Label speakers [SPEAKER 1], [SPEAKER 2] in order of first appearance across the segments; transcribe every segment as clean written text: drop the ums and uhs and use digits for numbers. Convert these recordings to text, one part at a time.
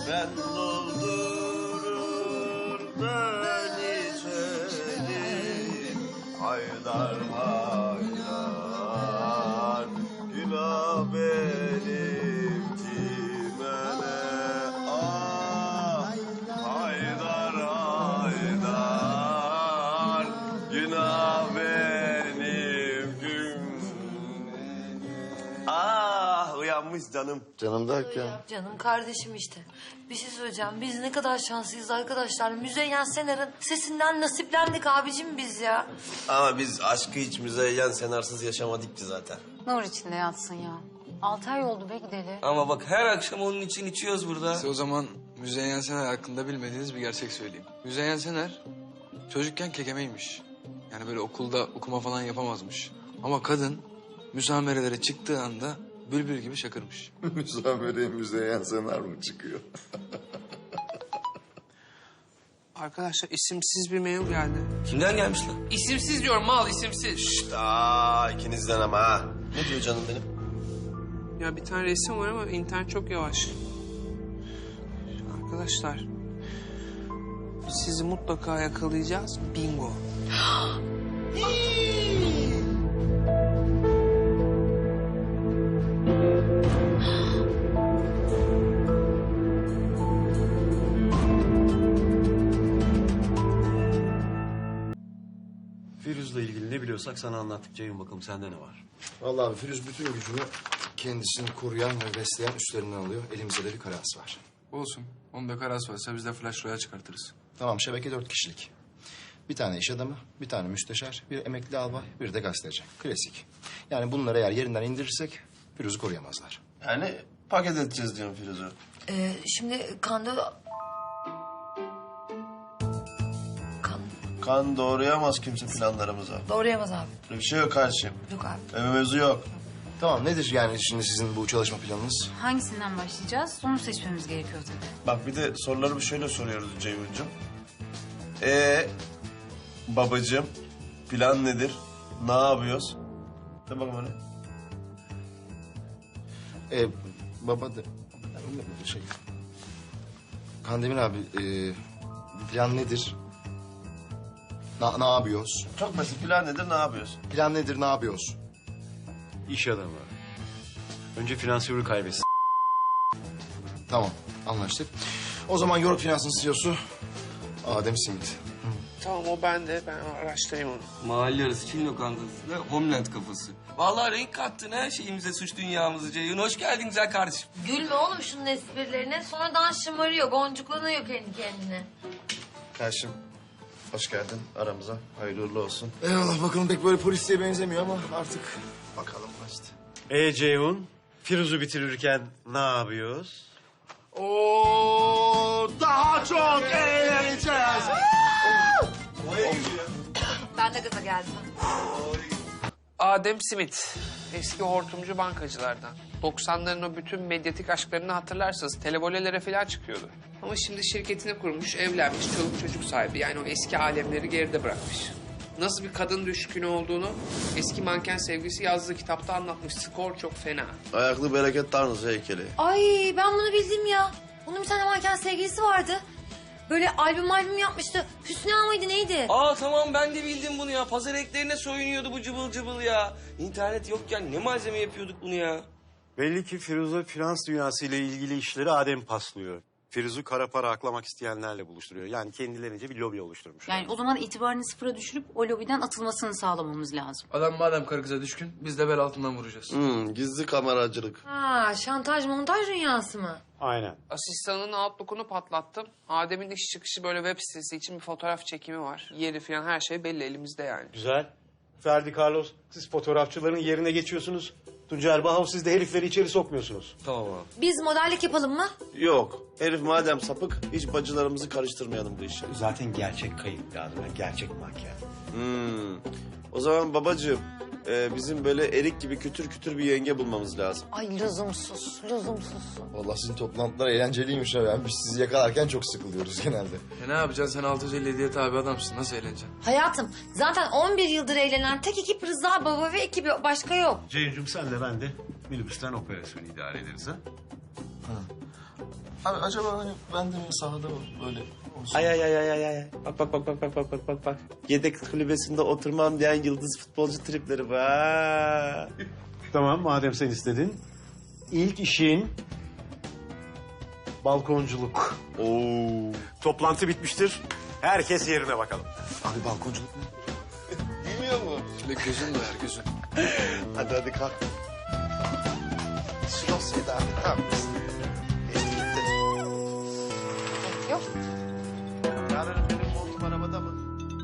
[SPEAKER 1] Ben doldurur ben içerim. Haydar haydar günah benim kime ne? Ah haydar haydar günah benim gün. Ah uyanmış canım. Canım derken?
[SPEAKER 2] Canım kardeşim işte. Bir şey söyleyeceğim. Biz ne kadar şanslıyız arkadaşlar. Müzeyyen Senar'ın sesinden nasiplendik abicim biz ya.
[SPEAKER 1] Ama biz aşkı hiç Müzeyyen Senarsız yaşamadık ki zaten.
[SPEAKER 3] Nur içinde yatsın ya. 6 ay oldu be gideli.
[SPEAKER 4] Ama bak her akşam onun için içiyoruz burada.
[SPEAKER 5] Size o zaman Müzeyyen Senar hakkında bilmediğiniz bir gerçek söyleyeyim. Müzeyyen Senar çocukken kekemeymiş. Yani böyle okulda okuma falan yapamazmış. Ama kadın müsamerelere çıktığı anda bülbül gibi şakırmış.
[SPEAKER 1] Müsamereye Müzeyyen Senar mı çıkıyor?
[SPEAKER 6] Arkadaşlar isimsiz bir mail geldi.
[SPEAKER 4] Kimden gelmiş lan?
[SPEAKER 6] İsimsiz diyorum mal isimsiz.
[SPEAKER 1] Şşt aa ikinizden ama ha. Ne diyor canım benim?
[SPEAKER 6] Ya bir tane resim var ama internet çok yavaş. Arkadaşlar sizi mutlaka yakalayacağız. Bingo.
[SPEAKER 7] Firuz'la ilgili ne biliyorsak sana anlattık Ceyhun, bakalım sende ne var?
[SPEAKER 8] Vallahi abi Firuz bütün gücünü kendisini koruyan ve besleyen üstlerinden alıyor. Elimizde de bir karası var.
[SPEAKER 5] Olsun. Onun da karası varsa biz de flash roya çıkartırız.
[SPEAKER 8] Tamam şebeke 4 kişilik. Bir tane iş adamı, bir tane müsteşar, bir emekli albay, bir de gazeteci. Klasik. Yani bunları eğer yerinden indirirsek Firuz'u koruyamazlar.
[SPEAKER 1] Yani paket edeceğiz diyorum Firuz'u.
[SPEAKER 2] Şimdi Kanda...
[SPEAKER 1] Kan doğrayamaz kimse planlarımıza.
[SPEAKER 2] Doğrayamaz abi.
[SPEAKER 1] Böyle bir şey yok kardeşim.
[SPEAKER 2] Yok abi.
[SPEAKER 1] Öyle mevzu yok.
[SPEAKER 8] Tamam nedir yani şimdi sizin bu çalışma planınız?
[SPEAKER 3] Hangisinden başlayacağız? Onu seçmemiz gerekiyor tabii.
[SPEAKER 1] Bak bir de soruları şöyle soruyoruz Ceyhun'cum. Babacığım plan nedir? Ne yapıyoruz? De bakalım öyle.
[SPEAKER 8] Baba da... Şey... Kandemir abi, plan nedir? Ne yapıyoruz?
[SPEAKER 1] Çok basit. Plan nedir? Ne yapıyoruz?
[SPEAKER 8] Plan nedir, ne yapıyoruz?
[SPEAKER 7] İş adamı. Önce finansörü kaybetsin.
[SPEAKER 8] Tamam, anlaştık. O zaman York Finans'ın CEO'su Adem Simit.
[SPEAKER 6] Tamam o bende. Ben araştırayım onu.
[SPEAKER 4] Mahalle arası Çin lokantası ve Homeland kafası. Vallahi renk kattın her şeyimize, suç dünyamızı Ceyhun. Hoş geldin güzel kardeşim.
[SPEAKER 2] Gülme oğlum şunun esprilerine. Sonradan şımarıyor, boncuklanıyor kendi kendine.
[SPEAKER 1] Kardeşim hoş geldin aramıza. Hayırlı uğurlu olsun.
[SPEAKER 8] Eyvallah bakalım pek böyle polisliğe benzemiyor ama artık bakalım işte.
[SPEAKER 7] Ceyhun, Firuz'u bitirirken ne yapıyoruz?
[SPEAKER 8] Oo, daha çok eğleneceğiz.
[SPEAKER 2] Ben de gaza geldim.
[SPEAKER 6] Adem Smith. Eski hortumcu bankacılardan. 90'ların o bütün medyatik aşklarını hatırlarsınız. Televolelere falan çıkıyordu. Ama şimdi şirketini kurmuş, evlenmiş, çoluk çocuk sahibi. Yani o eski alemleri geride bırakmış. Nasıl bir kadın düşkünü olduğunu eski manken sevgisi yazdığı kitapta anlatmış. Skor çok fena.
[SPEAKER 1] Ayaklı bereket tanrısı heykeli.
[SPEAKER 2] Ay ben bunu bildim ya. Bunun bir tane manken sevgilisi vardı. Böyle albüm yapmıştı. Hüsnü Ağa mıydı neydi?
[SPEAKER 4] Aa tamam ben de bildim bunu ya. Pazar eklerine soyunuyordu bu cıbıl cıbıl ya. İnternet yokken ne malzeme yapıyorduk bunu ya.
[SPEAKER 7] Belli ki Firuz'a finans dünyası ile ilgili işleri Adem paslıyor. Firuz'u kara para aklamak isteyenlerle buluşturuyor. Yani kendilerince bir lobi oluşturmuş.
[SPEAKER 3] Yani o zaman itibarını sıfıra düşürüp o lobiden atılmasını sağlamamız lazım.
[SPEAKER 5] Adam madem karı kıza düşkün biz de bel altından vuracağız.
[SPEAKER 1] Gizli kameracılık.
[SPEAKER 2] Ha şantaj montaj dünyası mı?
[SPEAKER 7] Aynen.
[SPEAKER 6] Asistanının Outlook'unu patlattım. Adem'in iş çıkışı böyle web sitesi için bir fotoğraf çekimi var. Yeri falan her şey belli elimizde yani.
[SPEAKER 7] Güzel. Ferdi Carlos, siz fotoğrafçıların yerine geçiyorsunuz. Tuncer Bahav, siz de herifleri içeri sokmuyorsunuz.
[SPEAKER 4] Tamam abi.
[SPEAKER 2] Biz modellik yapalım mı?
[SPEAKER 1] Yok. Herif madem sapık hiç bacılarımızı karıştırmayalım bu işe.
[SPEAKER 7] Zaten gerçek kayıp lazım. Gerçek makyaj.
[SPEAKER 1] O zaman babacığım bizim böyle erik gibi kütür kütür bir yenge bulmamız lazım.
[SPEAKER 2] Ay lüzumsuz.
[SPEAKER 8] Vallahi sizin toplantılar eğlenceliymiş ha. Yani biz sizi yakalarken çok sıkılıyoruz genelde.
[SPEAKER 5] Ne yapacaksın sen 657'ye tabi adamsın. Nasıl eğleneceksin?
[SPEAKER 2] Hayatım zaten 11 yıldır eğlenen tek ekip Rıza Baba ve ekibi başka yok.
[SPEAKER 7] Ceyhun'cum sen de ben de minibüsten operasyonu idare ederiz ha?
[SPEAKER 8] Abi acaba hani ben de sahada böyle olsun.
[SPEAKER 1] Ay. Bak. Yedek kulübesinde oturmam diyen yıldız futbolcu tripleri var.
[SPEAKER 7] Tamam madem sen istedin. İlk işin balkonculuk.
[SPEAKER 1] Oo.
[SPEAKER 7] Toplantı bitmiştir. Herkes yerine bakalım.
[SPEAKER 8] Abi balkonculuk ne?
[SPEAKER 1] Bilmiyor mu?
[SPEAKER 5] Şöyle gözün doyar gözün.
[SPEAKER 1] Hadi kalk. Şu dosyayı da abi tamam. Geçti gitti.
[SPEAKER 2] Yok.
[SPEAKER 1] Yarın benim montum arabada mı?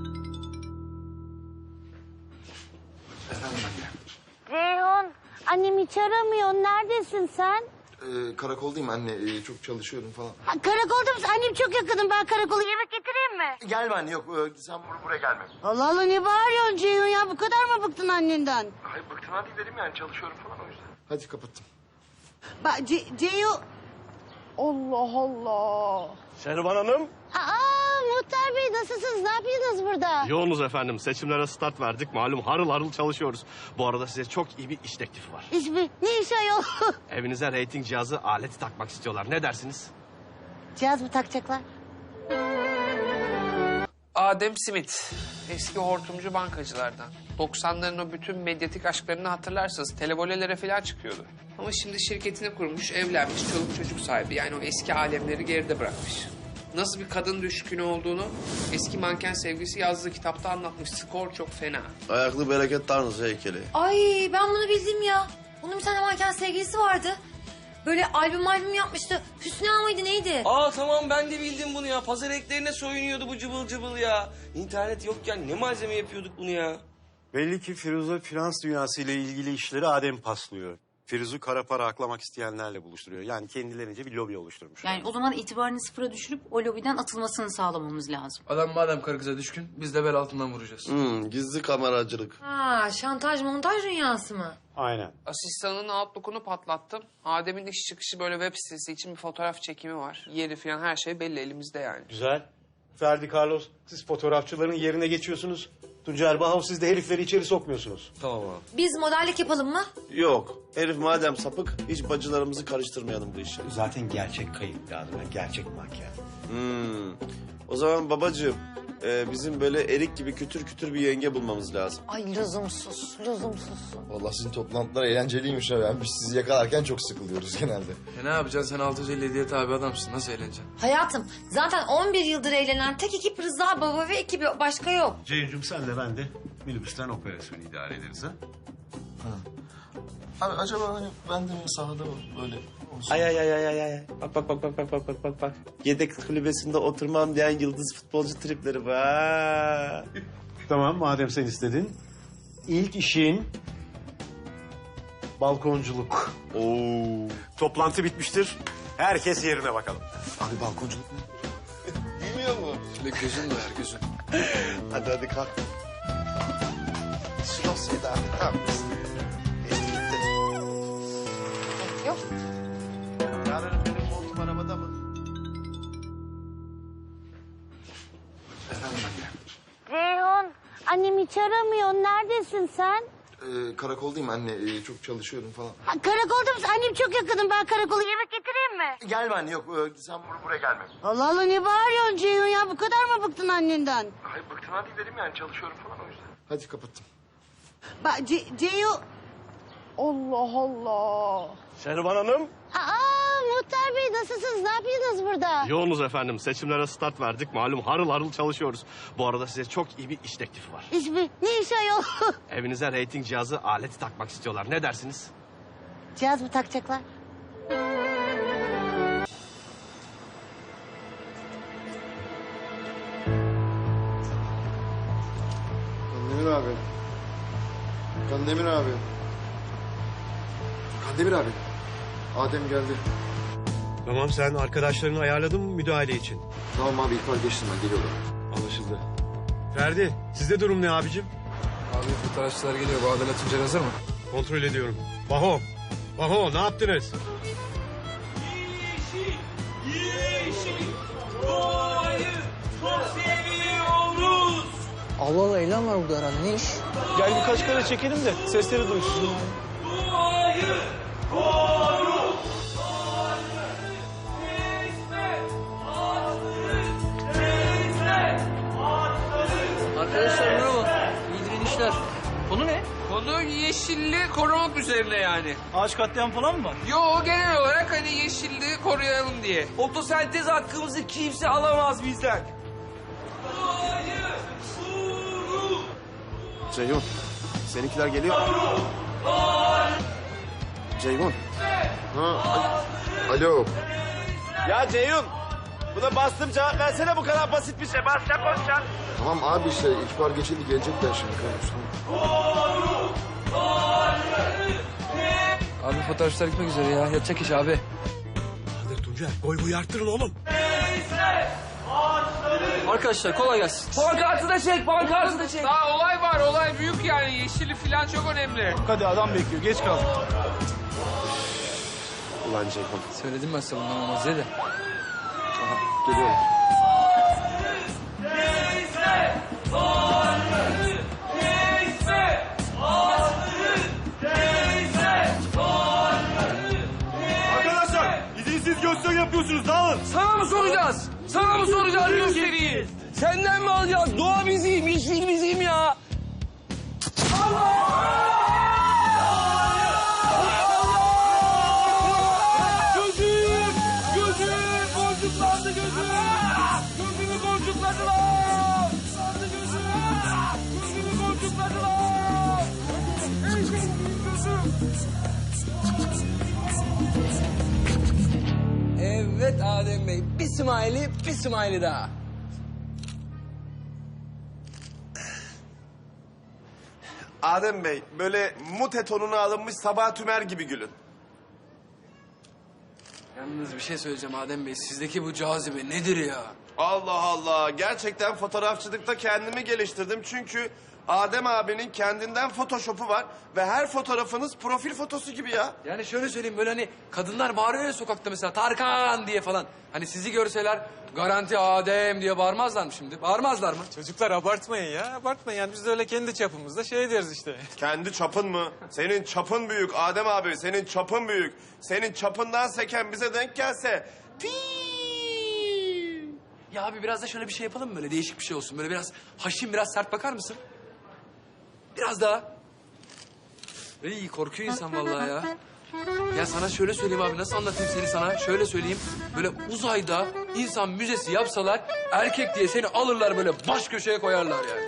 [SPEAKER 9] Reyhan, annem hiç aramıyor. Neredesin sen?
[SPEAKER 8] Karakoldayım anne. Çok çalışıyorum falan.
[SPEAKER 9] Ha, karakolda mısın? Annem çok yakınım. Ben karakola yemek getireyim mi?
[SPEAKER 8] Gelme anne yok. Sen buraya gelme.
[SPEAKER 9] Allah Allah, ne bağırıyorsun Ceyhun ya? Bu kadar mı bıktın annenden?
[SPEAKER 8] Hayır bıktığına değil dedim yani çalışıyorum falan o yüzden. Hadi kapattım.
[SPEAKER 9] Bak Ceyhun... Allah Allah.
[SPEAKER 10] Şehriban Hanım.
[SPEAKER 9] Muhtar Bey nasılsınız? Ne yapıyorsunuz burada?
[SPEAKER 10] Yoğunuz efendim. Seçimlere start verdik. Malum harıl harıl çalışıyoruz. Bu arada size çok iyi bir iş teklifi var.
[SPEAKER 9] İş mi? Ne iş ayol?
[SPEAKER 10] Evinize reyting cihazı aleti takmak istiyorlar. Ne dersiniz?
[SPEAKER 9] Cihaz mı takacaklar?
[SPEAKER 6] Adem Smith, eski hortumcu bankacılardan. 90'ların o bütün medyatik aşklarını hatırlarsınız. Televolelere falan çıkıyordu. Ama şimdi şirketini kurmuş, evlenmiş, çoluk çocuk sahibi. Yani o eski alemleri geride bırakmış. Nasıl bir kadın düşkünü olduğunu eski manken sevgisi yazdığı kitapta anlatmış. Skor çok fena.
[SPEAKER 1] Ayaklı bereket tanrısı heykeli.
[SPEAKER 2] Ay ben bunu bildim ya. Bunun bir tane manken sevgilisi vardı. Böyle albüm yapmıştı. Hüsnü Ağa mıydı neydi?
[SPEAKER 4] Aa tamam ben de bildim bunu ya. Pazar eklerine soyunuyordu bu cıbıl cıbıl ya. İnternet yokken ne malzeme yapıyorduk bunu ya.
[SPEAKER 7] Belli ki Firuze finans dünyası ile ilgili işleri Adem paslıyor. Firuz'u kara para aklamak isteyenlerle buluşturuyor. Yani kendilerince bir lobi oluşturmuş.
[SPEAKER 3] Yani o zaman itibarını sıfıra düşürüp o lobiden atılmasını sağlamamız lazım.
[SPEAKER 5] Adam madem karı kıza düşkün biz de bel altından vuracağız.
[SPEAKER 1] Gizli kameracılık.
[SPEAKER 2] Ha, şantaj montaj dünyası mı?
[SPEAKER 7] Aynen.
[SPEAKER 6] Asistanının Outlook'unu patlattım. Adem'in iş çıkışı böyle web sitesi için bir fotoğraf çekimi var. Yeri falan her şey belli elimizde yani.
[SPEAKER 7] Güzel. Ferdi Carlos, siz fotoğrafçıların yerine geçiyorsunuz. Tuncer Bahav, siz de herifleri içeri sokmuyorsunuz.
[SPEAKER 4] Tamam abi.
[SPEAKER 2] Biz modellik yapalım mı?
[SPEAKER 1] Yok. Herif madem sapık hiç bacılarımızı karıştırmayalım bu işe.
[SPEAKER 7] Zaten gerçek kayıp lazım. Yani gerçek makyaj.
[SPEAKER 1] O zaman babacığım bizim böyle erik gibi kütür kütür bir yenge bulmamız lazım.
[SPEAKER 2] Ay lüzumsuz.
[SPEAKER 8] Vallahi sizin toplantılar eğlenceliymiş ha. Yani biz sizi yakalarken çok sıkılıyoruz genelde.
[SPEAKER 5] Ne yapacaksın sen 657'ye tabi adamsın. Nasıl eğleneceksin?
[SPEAKER 2] Hayatım zaten 11 yıldır eğlenen tek ekip Rıza Baba ve ekibi başka yok.
[SPEAKER 7] Ceyhun'cum sen de ben de minibüsten operasyonu idare ederiz ha.
[SPEAKER 8] Abi acaba hani ben de sahada böyle olsun.
[SPEAKER 1] Ay. Bak. Yedek kulübesinde oturmam diyen yıldız futbolcu tripleri var.
[SPEAKER 7] Tamam madem sen istedin. İlk işin balkonculuk.
[SPEAKER 1] Oo.
[SPEAKER 7] Toplantı bitmiştir. Herkes yerine bakalım.
[SPEAKER 8] Abi balkonculuk ne?
[SPEAKER 1] Bilmiyor mu?
[SPEAKER 5] Şöyle gözün doyar gözün.
[SPEAKER 1] Hadi kalk. Şu dosyayı da abi tamam. Geçti gitti.
[SPEAKER 2] Yok.
[SPEAKER 1] Yarın benim montum arabada mı?
[SPEAKER 9] Reyhan, annem hiç aramıyor. Neredesin sen?
[SPEAKER 8] Karakoldayım anne. Çok çalışıyorum falan.
[SPEAKER 9] Ha, karakolda mısın? Annem çok yakınım. Ben karakola yemek getireyim mi?
[SPEAKER 8] Gelme anne yok. Sen buraya gelme.
[SPEAKER 9] Allah Allah, ne bağırıyorsun Ceyhun ya? Bu kadar mı bıktın annenden?
[SPEAKER 8] Hayır bıktığına değil dedim yani çalışıyorum falan o yüzden. Hadi kapattım.
[SPEAKER 9] Bak Ceyhun... Allah Allah.
[SPEAKER 10] Şehriban Hanım.
[SPEAKER 9] Muhtar Bey nasılsınız? Ne yapıyorsunuz burada?
[SPEAKER 10] Yoğunuz efendim. Seçimlere start verdik. Malum harıl harıl çalışıyoruz. Bu arada size çok iyi bir iş teklifi var.
[SPEAKER 9] İş mi? Ne iş ayol?
[SPEAKER 10] Evinize reyting cihazı aleti takmak istiyorlar. Ne dersiniz?
[SPEAKER 9] Cihaz mı takacaklar?
[SPEAKER 8] Kandemir abi. Kandemir abi. Kandemir abi. Adem geldi.
[SPEAKER 7] Tamam sen arkadaşlarını ayarladın mı müdahale için?
[SPEAKER 8] Tamam abi ihbar geçtim ben geliyorum.
[SPEAKER 7] Anlaşıldı. Ferdi sizde durum ne abicim?
[SPEAKER 5] Abi fotoğrafçılar geliyor. Bu Adalet Tuncer hazır mı?
[SPEAKER 7] Kontrol ediyorum. Baho ne yaptınız?
[SPEAKER 11] Allah Allah eylem var burada herhalde. Ne iş?
[SPEAKER 10] Gel birkaç kere çekelim de sesleri duysun.
[SPEAKER 6] yeşilliği korumak üzerine yani.
[SPEAKER 11] Ağaç katliam falan mı var?
[SPEAKER 6] Yo, genel olarak hani yeşilliği koruyalım diye.
[SPEAKER 4] Fotosentez hakkımızı kimse alamaz bizden.
[SPEAKER 1] Ceyhun, seninkiler geliyor. Ceyhun.
[SPEAKER 8] Alo.
[SPEAKER 1] Ya Ceyhun, buna bastım cevap versene, bu kadar basit bir şey. Bas ya, konuşacaksın.
[SPEAKER 8] Tamam abi işte ihbar geçildi gelecekler şimdi.
[SPEAKER 5] Abi fotoğrafçılar gitmek üzere ya. Yatacak iş abi.
[SPEAKER 10] Hadi Tuncay, boy boyu arttırın oğlum.
[SPEAKER 5] Arkadaşlar kolay gelsin.
[SPEAKER 4] Pankartı da çek, pankartı da çek.
[SPEAKER 6] Daha olay var, olay büyük yani. Yeşillik falan çok önemli.
[SPEAKER 11] Hadi adam bekliyor, geç kaldık.
[SPEAKER 1] Ulan Ceyhun.
[SPEAKER 5] Söyledim ben sana bundan olmaz diye de.
[SPEAKER 1] Geliyorum.
[SPEAKER 10] Arkadaşlar, izinsiz gösteri yapıyorsunuz, dağılın.
[SPEAKER 4] Sana mı soracağız? Sana mı soracağız gösteriyi? Senden mi alacağız? Doğa bizim, yeşil bizim ya. Gözüm, boncuklandı gözüm. Gözümü boncukladılar. Gözümü boncukladılar.
[SPEAKER 5] Evet Adem Bey. Bir smiley daha.
[SPEAKER 1] Adem Bey, böyle mute tonuna alınmış Sabah Tümer gibi gülün.
[SPEAKER 5] Yalnız bir şey söyleyeceğim Adem Bey. Sizdeki bu cazibe nedir ya?
[SPEAKER 1] Allah Allah, gerçekten fotoğrafçılıkta kendimi geliştirdim. Çünkü Adem abinin kendinden Photoshop'u var ve her fotoğrafınız profil fotosu gibi ya.
[SPEAKER 5] Yani şöyle söyleyeyim böyle hani kadınlar bağırıyor ya sokakta mesela Tarkan diye falan. Hani sizi görseler garanti Adem diye bağırmazlar mı şimdi? Bağırmazlar mı?
[SPEAKER 12] Çocuklar abartmayın ya, abartmayın. Yani biz de öyle kendi çapımızda şey deriz işte.
[SPEAKER 1] Kendi çapın mı? Senin çapın büyük Adem abi, senin çapın büyük. Senin çapından seken bize denk gelse...
[SPEAKER 5] Ya abi biraz da şöyle bir şey yapalım mı böyle değişik bir şey olsun. Böyle biraz haşin biraz sert bakar mısın? Biraz daha. İyi korkuyor insan vallahi ya. Ya sana şöyle söyleyeyim abi nasıl anlatayım seni sana? Şöyle söyleyeyim. Böyle uzayda insan müzesi yapsalar erkek diye seni alırlar böyle baş köşeye koyarlar yani.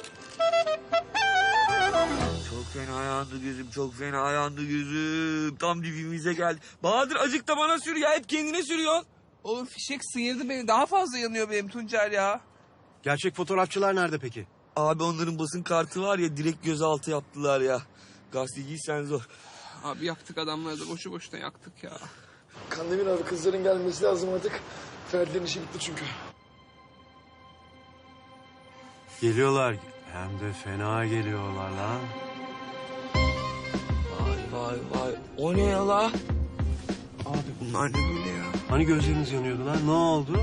[SPEAKER 4] Çok fena yandı gözüm, çok fena yandı gözüm. Tam dibimize geldi. Bahadır acık da bana sür ya, hep kendine sürüyorsun.
[SPEAKER 6] Oğlum fişek sıyırdı beni. Daha fazla yanıyor benim Tuncer ya.
[SPEAKER 7] Gerçek fotoğrafçılar nerede peki?
[SPEAKER 4] Abi onların basın kartı var ya, direkt gözaltı yaptılar ya. Gazeteciysen zor.
[SPEAKER 6] Abi yaktık adamları da boşu boşuna yaktık ya.
[SPEAKER 8] Kandemir abi kızların gelmesi lazım artık. Ferdi'nin işi bitti çünkü.
[SPEAKER 7] Geliyorlar. Hem de fena geliyorlar lan.
[SPEAKER 4] Vay. O ne ya la? Abi bunlar ne böyle ya?
[SPEAKER 7] Hani gözleriniz yanıyordu lan? Ne oldu?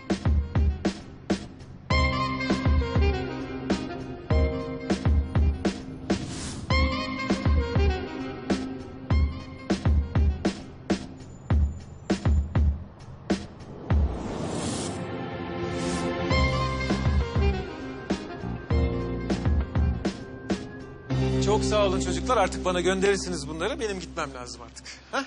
[SPEAKER 12] Çok sağ olun çocuklar. Artık bana gönderirsiniz bunları. Benim gitmem lazım artık. Hah?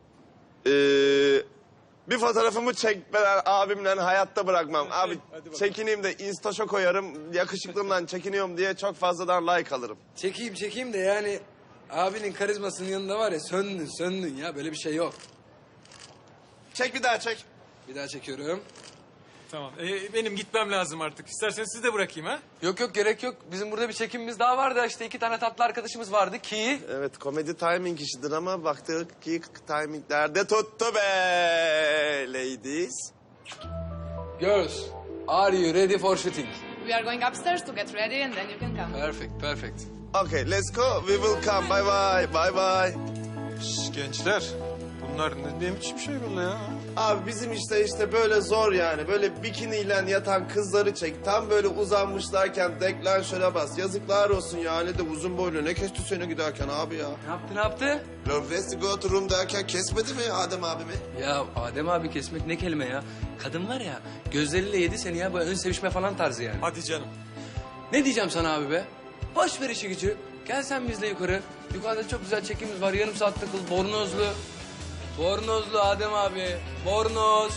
[SPEAKER 1] Bir fotoğrafımı çekmeden abimle hayatta bırakmam. Abi çekineyim de Instaş'a koyarım. Yakışıklımdan çekiniyorum diye çok fazladan like alırım.
[SPEAKER 5] Çekeyim de yani abinin karizmasının yanında var ya söndün ya böyle bir şey yok.
[SPEAKER 1] Çek bir daha çek.
[SPEAKER 5] Bir daha çekiyorum.
[SPEAKER 12] Tamam. Benim gitmem lazım artık. İsterseniz siz de bırakayım ha?
[SPEAKER 5] Yok gerek yok. Bizim burada bir çekimimiz daha vardı. İşte 2 tane tatlı arkadaşımız vardı ki...
[SPEAKER 1] Evet komedi timing işidir ama baktık ki timinglerde tuttu be ladies.
[SPEAKER 5] Girls, are you ready for shooting?
[SPEAKER 13] We are going upstairs to get ready and then you can come.
[SPEAKER 5] Perfect.
[SPEAKER 1] Okay let's go. We will come. Bye bye. Bye bye.
[SPEAKER 12] Şş, gençler. Bunlar ne biçim şey böyle ya?
[SPEAKER 1] Abi bizim işte böyle zor yani. Böyle bikiniyle yatan kızları çek. Tam böyle uzanmışlarken deklanşöre bas. Yazıklar olsun yani de uzun boylu. Ne kesti seni giderken abi ya?
[SPEAKER 5] Ne yaptı?
[SPEAKER 1] Lovelace go to room derken kesmedi mi Adem abimi?
[SPEAKER 5] Ya Adem abi kesmek ne kelime ya? Kadın var ya gözleriyle yedi seni ya. Böyle ön sevişme falan tarzı yani.
[SPEAKER 12] Hadi canım.
[SPEAKER 5] Ne diyeceğim sana abi be? Boş ver işi gücü. Gel sen bizle yukarı. Yukarıda çok güzel çekimimiz var. Yarım saat takıl. Bornozlu. Bornozlu Adem abi. Bornoz.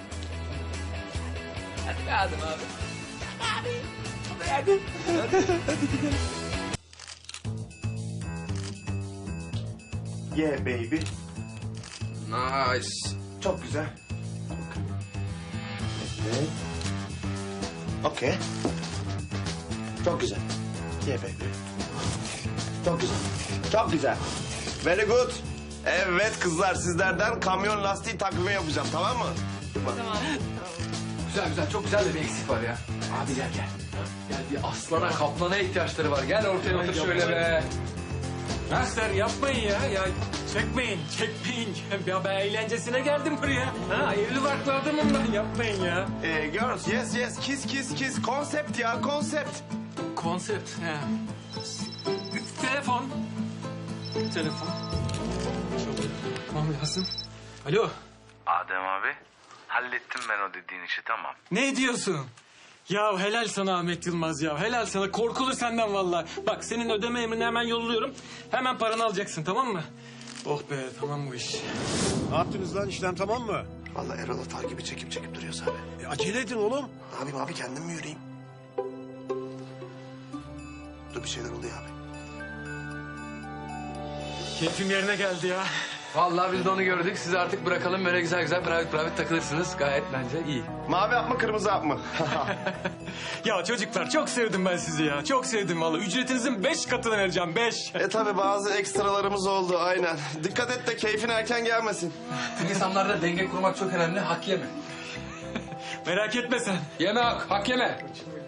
[SPEAKER 5] Hadi be Adem abi. Hadi.
[SPEAKER 1] Yeah baby.
[SPEAKER 5] Nice.
[SPEAKER 1] Çok güzel. Evet. Okey. Çok güzel. Yeah baby. Çok güzel. Çok güzel. Very good. Evet kızlar sizlerden kamyon lastiği takvimi yapacağım tamam mı?
[SPEAKER 5] Güzel güzel. Çok güzel de bir eksik var ya. Abi gel gel. Gel bir aslana kaplana ihtiyaçları var. Gel ortaya otur şöyle be.
[SPEAKER 12] Gençler yapmayın ya. Çekmeyin. Ya ben eğlencesine geldim buraya. Ha, hayırlı farklı adamım ben. Yapmayın ya.
[SPEAKER 1] Girls yes kiss konsept ya konsept.
[SPEAKER 12] Konsept. He. Telefon. Tamam lazım. Alo.
[SPEAKER 14] Adem abi, hallettim ben o dediğin işi tamam.
[SPEAKER 12] Ne diyorsun? Ya helal sana Ahmet Yılmaz ya. Helal sana. Korkulu senden vallahi. Bak senin ödeme emrini hemen yolluyorum. Hemen paranı alacaksın tamam mı? Oh be tamam bu iş.
[SPEAKER 7] Ne yaptınız lan işlem tamam mı?
[SPEAKER 1] Vallahi Erol Atar gibi çekip duruyoruz abi.
[SPEAKER 7] Acele edin oğlum.
[SPEAKER 1] Ne yapayım abi kendim mi yürüyeyim? Dur bir şeyler oluyor abi.
[SPEAKER 12] Keyfim yerine geldi ya.
[SPEAKER 5] Vallahi biz de onu gördük. Sizi artık bırakalım. Böyle güzel güzel private takılırsınız. Gayet bence iyi.
[SPEAKER 1] Mavi hap mı kırmızı hap mı?
[SPEAKER 12] Ya çocuklar çok sevdim ben sizi ya. Çok sevdim vallahi. Ücretinizin 5 katını vereceğim 5.
[SPEAKER 1] Tabii bazı ekstralarımız oldu aynen. Dikkat et de keyfin erken gelmesin.
[SPEAKER 5] İnsanlarda denge kurmak çok önemli. Hak yeme.
[SPEAKER 12] Merak etme sen.
[SPEAKER 5] Yeme hak yeme.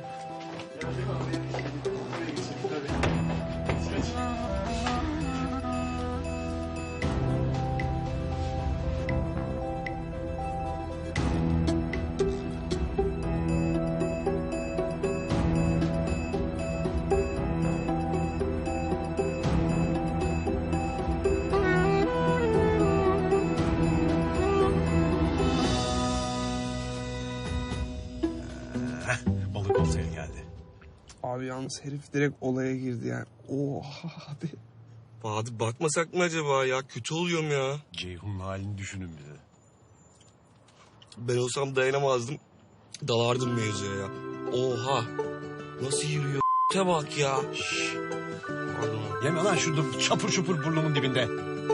[SPEAKER 7] Balık oltaya geldi.
[SPEAKER 4] Abi yalnız herif direkt olaya girdi yani. Oha abi. Bahadır bakmasak mı acaba ya? Kötü oluyorum ya.
[SPEAKER 7] Ceyhun'un halini düşünün bir de.
[SPEAKER 4] Ben olsam dayanamazdım. Dalardım mevzuya ya. Oha. Nasıl yürüyor? Te bak ya. Pardon.
[SPEAKER 7] Yeme lan şurada çapur çupur burnumun dibinde.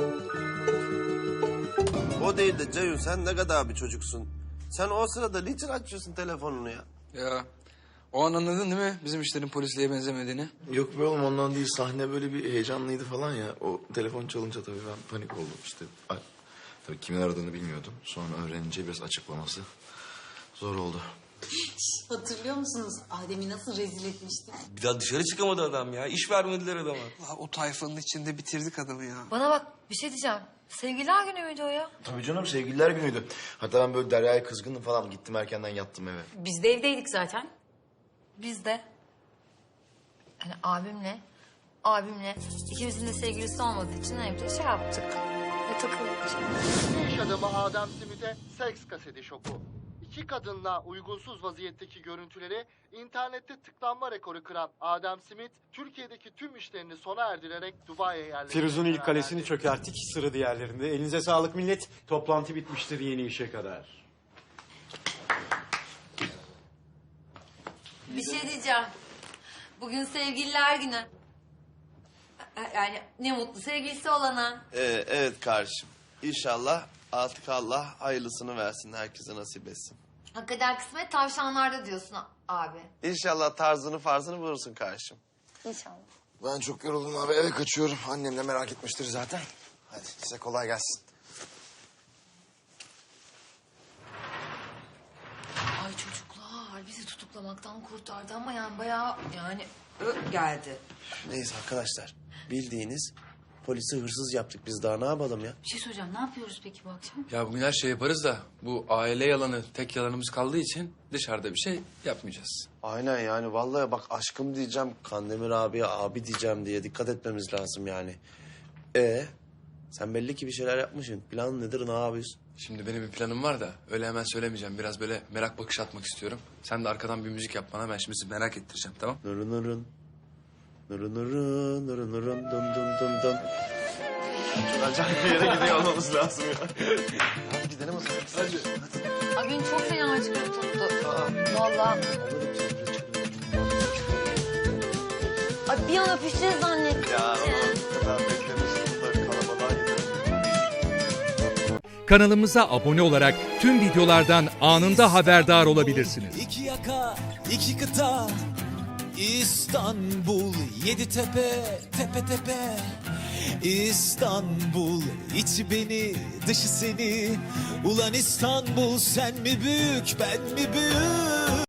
[SPEAKER 1] O değil de Ceyhun sen ne kadar bir çocuksun. Sen o sırada niçin açıyorsun telefonunu ya?
[SPEAKER 5] Ya o an anladın değil mi bizim işlerin polisliğe benzemediğini?
[SPEAKER 8] Yok be oğlum ondan değil. Sahne böyle bir heyecanlıydı falan ya. O telefon çalınca tabii ben panik oldum işte. Tabii kimin aradığını bilmiyordum. Sonra öğrenince biraz açıklaması zor oldu.
[SPEAKER 3] Hatırlıyor musunuz? Adem'i nasıl rezil etmiştik?
[SPEAKER 4] Bir daha dışarı çıkamadı adam ya. İş vermediler adama.
[SPEAKER 6] O tayfanın içinde bitirdik adamı ya.
[SPEAKER 2] Bana bak bir şey diyeceğim. Sevgililer günü müydü o ya?
[SPEAKER 8] Tabii canım sevgililer günüydü. Hatta ben böyle Derya'ya kızgındım falan. Gittim erkenden yattım eve.
[SPEAKER 3] Biz de evdeydik zaten.
[SPEAKER 2] Biz de. Yani abimle ikimizin de sevgilisi olmadığı için evde şey yaptık. Ve takıldık.
[SPEAKER 15] İş adamı Adem Smith'e seks kaseti şoku. İki kadınla uygunsuz vaziyetteki görüntüleri internette tıklanma rekoru kıran Adem Smith, Türkiye'deki tüm işlerini sona erdirerek Dubai'ye yerleşti.
[SPEAKER 7] Firuz'un ilk kalesini çökerttik. Sıra diğerlerinde. Elinize sağlık millet. Toplantı bitmiştir yeni işe kadar.
[SPEAKER 2] Bir şey diyeceğim. Bugün sevgililer günü. Yani ne mutlu sevgilisi olana.
[SPEAKER 1] Evet kardeşim. İnşallah artık Allah hayırlısını versin. Herkese nasip etsin.
[SPEAKER 2] Hakikaten kısmet tavşanlarda diyorsun abi.
[SPEAKER 1] İnşallah tarzını farzını bulursun kardeşim.
[SPEAKER 2] İnşallah.
[SPEAKER 8] Ben çok yoruldum abi eve kaçıyorum. Annem de merak etmiştir zaten. Hadi size kolay gelsin.
[SPEAKER 2] Ay çocuklar bizi tutuklamaktan kurtardı ama yani bayağı yani geldi.
[SPEAKER 1] Neyse arkadaşlar bildiğiniz polisi hırsız yaptık biz daha ne yapalım ya?
[SPEAKER 3] Bir şey soracağım. Ne yapıyoruz peki bu akşam?
[SPEAKER 5] Ya bugün her şey yaparız da bu aile yalanı tek yalanımız kaldığı için dışarıda bir şey yapmayacağız.
[SPEAKER 1] Aynen yani vallahi bak aşkım diyeceğim Kandemir abiye abi diyeceğim diye dikkat etmemiz lazım yani. Sen belli ki bir şeyler yapmışsın. Plan nedir ne yapıyorsun?
[SPEAKER 5] Şimdi benim bir planım var da öyle hemen söylemeyeceğim. Biraz böyle merak bakışı atmak istiyorum. Sen de arkadan bir müzik yap bana ben şimdi sizi merak ettireceğim tamam?
[SPEAKER 1] Nurun. Nırı nırı nırı nırın dın dın dın dın.
[SPEAKER 8] Acayip bir yere gidiyor olmamız lazım ya. Hadi gidelim o zaman. Hadi.
[SPEAKER 2] Abi beni çok fena acıklı tuttu. Vallahi. Ay bir an öpüşeceğiz zannettim.
[SPEAKER 8] Ya o kadar beklemiştim da kalabalığa gidelim.
[SPEAKER 16] Kanalımıza abone olarak tüm videolardan anında haberdar olabilirsiniz.
[SPEAKER 17] İki yaka, iki kıta, İstanbul, yedi tepe, tepe tepe. İstanbul, içi beni, dışı seni. Ulan İstanbul, sen mi büyük, ben mi büyük?